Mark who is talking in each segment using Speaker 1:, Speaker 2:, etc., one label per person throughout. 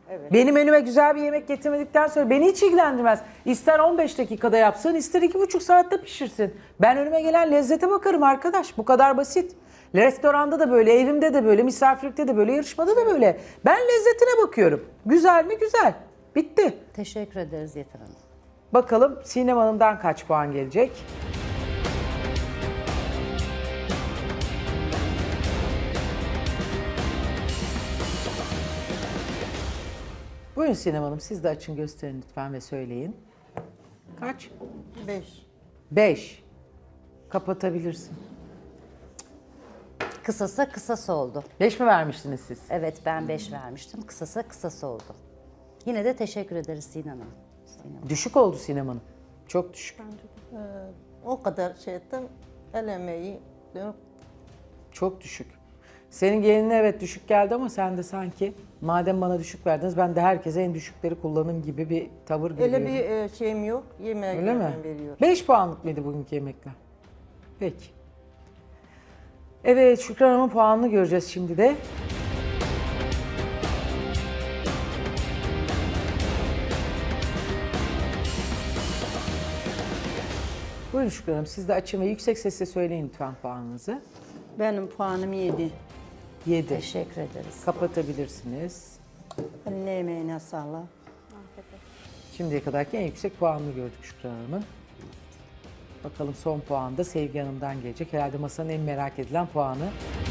Speaker 1: Evet.
Speaker 2: Benim önüme güzel bir yemek getirmedikten sonra beni hiç ilgilendirmez. İster 15 dakikada yapsın, ister 2,5 saatte pişirsin. Ben önüme gelen lezzete bakarım arkadaş. Bu kadar basit. Restoranda da böyle, evimde de böyle, misafirlikte de böyle, yarışmada da böyle. Ben lezzetine bakıyorum. Güzel mi? Güzel. Bitti.
Speaker 3: Teşekkür ederiz Yeter Hanım.
Speaker 2: Bakalım Sinem Hanım'dan kaç puan gelecek? Buyurun Sinem Hanım, siz de açın gösterin lütfen ve söyleyin. Kaç?
Speaker 1: 5.
Speaker 2: 5. Kapatabilirsin.
Speaker 3: Kısasa kısası oldu.
Speaker 2: 5 mi vermiştiniz siz?
Speaker 3: Evet ben 5 vermiştim. Kısasa kısası oldu. Yine de teşekkür ederiz Sinan Hanım.
Speaker 2: Düşük oldu Sinem Hanım. Çok düşük.
Speaker 1: O kadar şey ettim. El emeği.
Speaker 2: Çok düşük. Senin gelinine evet düşük geldi ama sen de sanki madem bana düşük verdiniz ben de herkese en düşükleri kullanım gibi bir tavır görüyorum.
Speaker 1: Öyle bir şeyim yok. Yemeğe
Speaker 2: Öyle mi?
Speaker 1: veriyorum.
Speaker 2: 5 puanlık mıydı bugünkü yemekler? Peki. Evet Şükran Hanım'ın puanını göreceğiz şimdi de. Buyurun Şükran Hanım siz de açın ve yüksek sesle söyleyin lütfen puanınızı.
Speaker 4: Benim puanım 7.
Speaker 2: 7.
Speaker 3: Teşekkür ederiz.
Speaker 2: Kapatabilirsiniz.
Speaker 4: Eline emeğine sağlık.
Speaker 2: Şimdiye kadarki en yüksek puanını gördük Şükran Hanım'ın. Bakalım son puan da Sevgi Hanım'dan gelecek. Herhalde masanın en merak edilen puanı.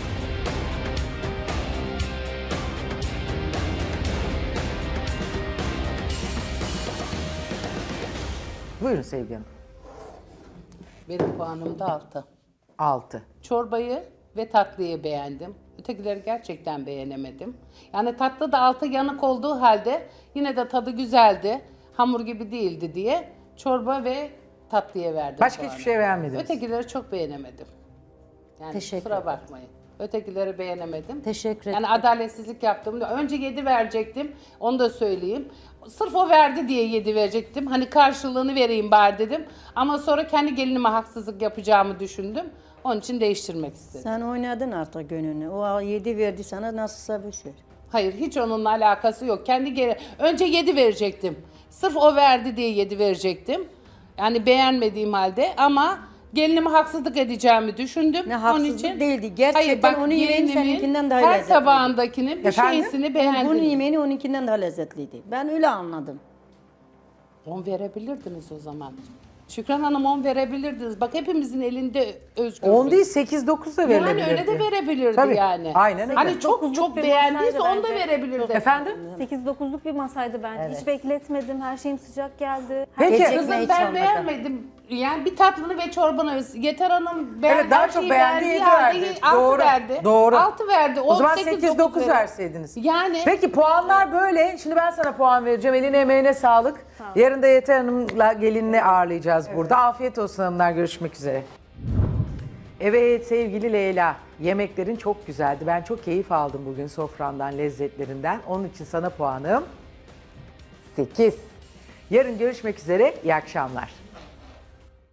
Speaker 2: Buyurun Sevgi Hanım.
Speaker 5: Benim puanım da 6.
Speaker 2: 6.
Speaker 5: Çorbayı ve tatlıyı beğendim. Ötekileri gerçekten beğenemedim. Yani tatlı da altı yanık olduğu halde yine de tadı güzeldi. Hamur gibi değildi diye çorba ve tatlıya verdim
Speaker 2: Başka
Speaker 5: puanı.
Speaker 2: hiçbir şey beğenmediniz.
Speaker 5: Ötekileri çok beğenemedim. Yani
Speaker 3: Teşekkür
Speaker 5: kusura
Speaker 3: ederim.
Speaker 5: bakmayın. Ötekileri beğenemedim.
Speaker 3: Teşekkür
Speaker 5: Yani
Speaker 3: ederim.
Speaker 5: adaletsizlik yaptım. Önce 7 verecektim. Onu da söyleyeyim. Sırf o verdi diye 7 verecektim. Hani karşılığını vereyim bari dedim. Ama sonra kendi gelinime haksızlık yapacağımı düşündüm. Onun için değiştirmek istedim.
Speaker 4: Sen oynadın artık gönlünü. O 7 verdi sana nasılsa boş ver.
Speaker 5: Hayır hiç onunla alakası yok. Önce 7 verecektim. Sırf o verdi diye 7 verecektim. Yani beğenmediğim halde ama gelinime haksızlık edeceğimi düşündüm.
Speaker 4: Ne
Speaker 5: Onun
Speaker 4: haksızlık
Speaker 5: için,
Speaker 4: değildi. Gerçekten onun yemeği
Speaker 5: gelinimin
Speaker 4: seninkinden daha
Speaker 5: her
Speaker 4: lezzetli.
Speaker 5: tabağındakinin bir
Speaker 2: Efendim?
Speaker 5: şeysini
Speaker 4: Bunun
Speaker 5: beğendim.
Speaker 4: yemeğini onunkinden daha lezzetliydi. Ben öyle anladım.
Speaker 5: 10 verebilirdiniz o zaman. Şükran Hanım 10 verebilirdiniz. Bak hepimizin elinde özgür.
Speaker 2: 10 değil 8-9 da verilebilirdi.
Speaker 5: Yani öyle de verebilirdi
Speaker 2: Tabii,
Speaker 5: yani.
Speaker 2: aynen öyle.
Speaker 5: Hani çok çok
Speaker 6: bir
Speaker 5: beğendiyse
Speaker 6: masaydı
Speaker 5: 10 da
Speaker 6: bence.
Speaker 5: verebilirdi.
Speaker 2: Efendim?
Speaker 6: 8-9'luk bir masaydı bence. Hiç bekletmedim. Her şeyim sıcak geldi.
Speaker 2: Peki.
Speaker 3: Gecikme
Speaker 5: Kızım
Speaker 3: hiç
Speaker 5: ben
Speaker 3: olmadı.
Speaker 5: beğenmedim. Yani bir tatlını ve çorbanı. Yeter Hanım
Speaker 2: Evet daha
Speaker 5: her
Speaker 2: çok
Speaker 5: şeyi
Speaker 2: beğendi
Speaker 5: beğendiği
Speaker 2: 7
Speaker 5: halde
Speaker 2: verdi.
Speaker 5: 6
Speaker 2: Doğru.
Speaker 5: verdi.
Speaker 2: Doğru.
Speaker 5: 6 verdi.
Speaker 2: O zaman
Speaker 5: 8-9
Speaker 2: 8-9
Speaker 5: verir.
Speaker 2: verseydiniz.
Speaker 5: Yani
Speaker 2: Peki puanlar böyle. Şimdi ben sana puan vereceğim. Eline emeğine sağlık. Yarın da Yeter Hanım'la gelinini ağırlayacağız burada. Afiyet olsun hanımlar. Görüşmek üzere. Evet sevgili Leyla. Yemeklerin çok güzeldi. Ben çok keyif aldım bugün sofrandan, lezzetlerinden. Onun için sana puanım 8. Yarın görüşmek üzere. İyi akşamlar.